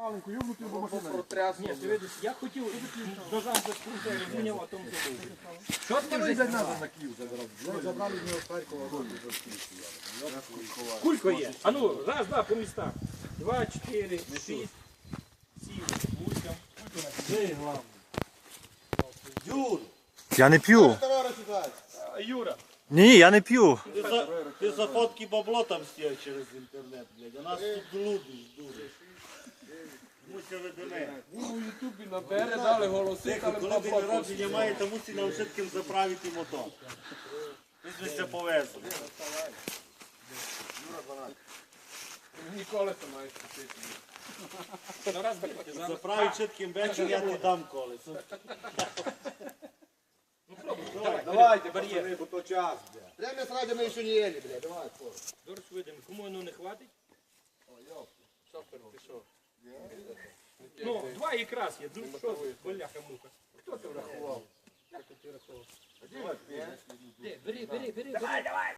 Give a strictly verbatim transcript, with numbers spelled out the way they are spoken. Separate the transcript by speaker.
Speaker 1: Маленьку, юбнути його машину.
Speaker 2: Ні, ти видиш, я хотів ножам заскрути, розміняв, а тому забув. Що ти
Speaker 1: Вони
Speaker 2: вже
Speaker 1: йдуть назад на Київ забрали. Забрали з нього з Харкова.
Speaker 2: Кулько є. А ну, раз, два, по містах. Два, чотири, шість, сім, вісім.
Speaker 3: Де главне? Юр,
Speaker 4: Я не п'ю.
Speaker 2: А, Юра.
Speaker 4: Ні, я не п'ю.
Speaker 3: ти за, ти за фотки бабло там стіяв через інтернет, блядь, а нас тут блудиш дуже. Муся ведене.
Speaker 5: Він у Ютубі набере, дали голоси,
Speaker 3: Тихо,
Speaker 5: але
Speaker 3: коли день народження має, то мусить нам все-таки заправити мотор. Ми ж це повезли.
Speaker 5: ніколи це маєш купити.
Speaker 2: Ну, раз, берете, зараз.
Speaker 3: Заправить чітким вечір, я не дам колесо.
Speaker 1: Давайте,
Speaker 2: Бар'єр.
Speaker 1: пацани, бо то час, блядь. Прямо сради ми ще не їли, блядь. Давай, скоро.
Speaker 2: Дорож видимо, кому воно не хватить? Ну, два якраз є. Ну, що ви, боляха-муха. Хто це врахував? Де? Бери, бери, бери. Давай, давай.